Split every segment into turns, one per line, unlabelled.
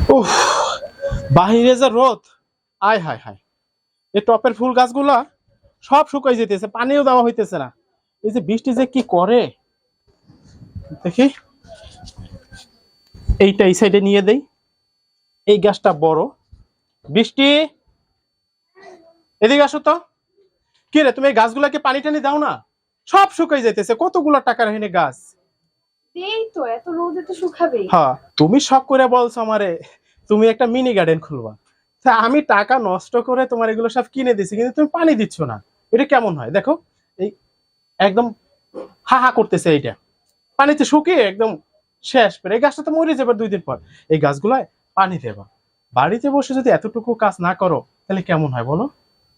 উফ, বাহিরে যে রোদ, আয় হায় হায়। এই টপের ফুল গাছগুলা সব শুকাই যেতেছে, পানিও দেওয়া হইতেছে না। এই যে বৃষ্টি যে কি করে দেখি, এইটা এই সাইডে নিয়ে দেই। এই গাছটা বড়। বৃষ্টি, এদিকে আসো তো। কি রে, তুমি এই গাছগুলাকে পানি টানি দাও না? সব শুকাই যাইতেছে, কতগুলো টাকার হয়নি গাছ।
এই তো এত রোদে তো শুকাবেই।
হ্যাঁ, তুমি শখ করে বলছো আমারে তুমি একটা মিনি গার্ডেন খুলবা। তা আমি টাকা নষ্ট করে তোমার এগুলো সব কিনে দিছি, কিন্তু তুমি পানি দিচ্ছ না। এটা কেমন হয় দেখো, এই একদম হা হা করতেছে। এইটা পানিতে শুকিয়ে একদম শেষ করে, এই গাছটা তো মরে যাবে 2 দিন পর। এই গাছগুলায় পানি দেবা। বাড়িতে বসে যদি এতটুকু কাজ না করো তাহলে কেমন হয় বলো?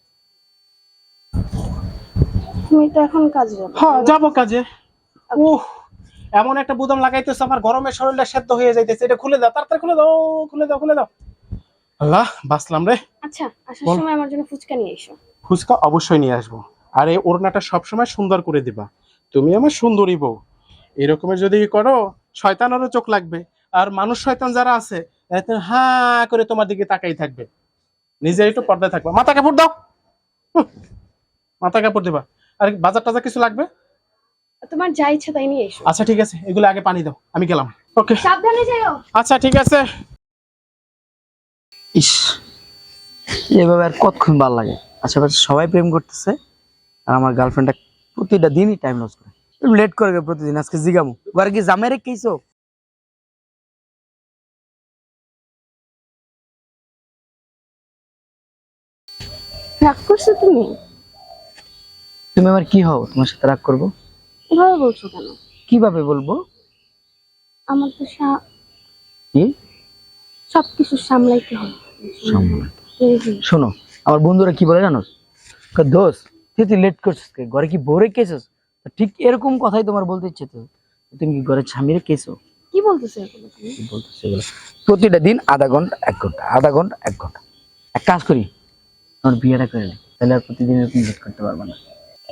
তুমি তো এখন কাজে যাবে।
হ্যাঁ, যাবো কাজে। উহ, এমন একটা বুদাম লাগাইতেছে, আমার গরমে শরীরটা সেদ্ধ হয়ে যাইতেছে। এটা খুলে দাও, তাড়াতাড়ি খুলে দাও, খুলে দাও, খুলে দাও। আল্লাহ, বাঁচলাম রে।
আচ্ছা, আসার
বল।
সময় আমার জন্য ফুচকা নিয়ে এসো।
ফুচকা অবশ্যই নিয়ে আসবো। আর এই ওড়নাটা সবসময় সুন্দর করে দিবা। তুমি আমার সুন্দরী বউ। এরকমের যদি করো, শয়তানেরও চোখ লাগবে। আর মানুষ শয়তান যারা আছে, এত হা করে তোমার দিকে তাকাই থাকবে। নিজে একটু পর্দায় থাকবা। মাথা কাপড় দাও। হুঁ, মাথা কাপড় দিবা। আর বাজার টাজার কিছু লাগবে?
তোমার যা ইচ্ছা তাই নিয়ে এসো।
আচ্ছা ঠিক আছে, এগুলো আগে পানি দাও, আমি গেলাম। ওকে,
সাবধানে যাও।
আচ্ছা ঠিক আছে।
ইস, এভাবে আর কতক্ষণ ভালো লাগে। আশেপাশে সবাই প্রেম করতেছে আর আমার গার্লফ্রেন্ডটা প্রতিটা দিনই টাইম লস করে, লেট করে প্রতিদিন। আজকে জিগামু এবার কি জামাই রেখেছো?
রাগ করছো তুমি?
তুমি আমার কি হও তোমার সাথে রাগ করবো?
এভাবে বলছো কেন?
কিভাবে বলবো?
আমার তো
কি
সবকিছু সামলাইতে হবে।
শোনো, আমার বন্ধুরা কি বলে জানো? দোষ, তুই লেট করছিস, ঘরে কি বউ রেখেছিস? ঠিক এরকম কথাই তোমার বলতে ইচ্ছে। তো তুমি কি ঘরে স্বামী রেখেছো?
কি বলতেছো এগুলো তুমি?
কি বলতেছো এগুলো? প্রতিটা দিন আধা ঘন্টা 1 ঘন্টা, আধা ঘন্টা 1 ঘন্টা। এক কাজ করি, আমার বিয়েটা করে নি, তাহলে আর প্রতিদিন এরকম লেট করতে পারবে না।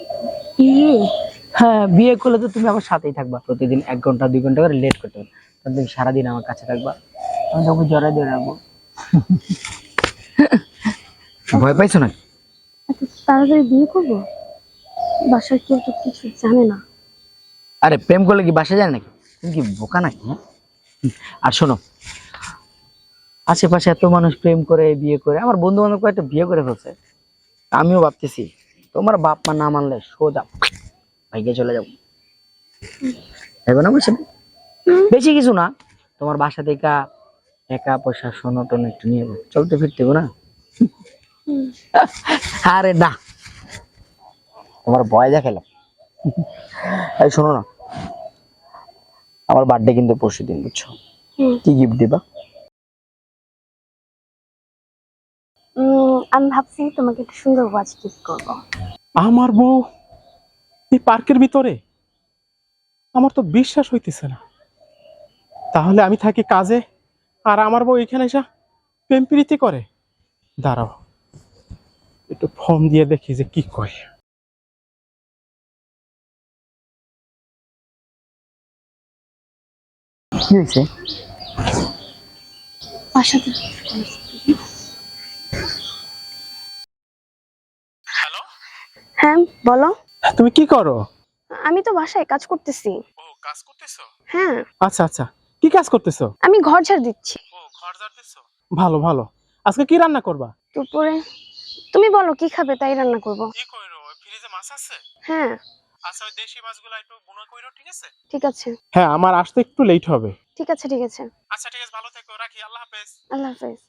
হ্যাঁ, বিয়ে করলে তো তুমি আমার সাথেই থাকবা, প্রতিদিন 1 ঘন্টা 2 ঘন্টা করে লেট করতে পারবে। তাহলে তুমি সারাদিন আমার কাছে থাকবা, আমি তোমাকে জড়াই দিয়ে রাখবো। ভয় পাইছো না?
এত তাড়াতাড়ি বিয়ে করবো? বাসার কেউ তো কিছু জানে না।
আরে প্রেম করলে কি বাসা যায় নাকি? তুমি কি বোকা নাকি? হ্যাঁ? আর শোনো, আশেপাশে এত মানুষ প্রেম করে বিয়ে করে, আমার বন্ধু বান্ধব কয়েকটা বিয়ে করে ফেলছে। আমিও ভাবতেছি তোমার বাপ মা না মানলে সোজা ভাইকে চলে যাবো। হবে না বলছে? বেশি কিছু না, তোমার বাসা থেকে টাকা পয়সা সোনো টোনো একটু নিয়ে যাবো, চলতে ফিরতে হবে না। আরে না, তোমার ভয় দেখালাম। এই শোনো না, আমার বার্থডে কিন্তু পরশুদিন, বুঝছো? কি গিফট দিবা?
আমি ভাবছি তোমাকে একটা সুন্দর ওয়াচ গিফট করবো।
আমার বউ এই পার্কের ভিতরে? আমার তো বিশ্বাস হইতেছে না। তাহলে আমি থাকি কাজে, আর আমার বউ এখানে এসে প্রেম প্রীতি করে? দাঁড়াও, একটু ফোন দিয়ে দেখি যে কি কয়।
কি হয়েছে?
বাসাতে
হ্যালো,
হ্যাঁ বলো।
তুমি কি করো?
আমি তো বাসায় কাজ করতেছি।
ও, কাজ করতেছো?
হ্যাঁ,
আচ্ছা আচ্ছা, কি কাজ করতেছো?
আমি ঘর ঝাড় দিচ্ছি।
ও, ঘর ঝাড় দিচ্ছো? ভালো ভালো। আজকে কি রান্না করবা?
দুপুরে তুমি বলো কি খাবে তাই রান্না করব।
কি কইরো, ফ্রিজে মাছ আছে?
হ্যাঁ
আচ্ছা, ওই দেশি মাছগুলো একটু বুনো কইরো, ঠিক আছে?
ঠিক আছে।
হ্যাঁ, আমার আসতে একটু লেট হবে।
ঠিক আছে ঠিক আছে।
আচ্ছা ঠিক আছে, ভালো থেকো, রাখি, আল্লাহ হাফেজ।
আল্লাহ হাফেজ।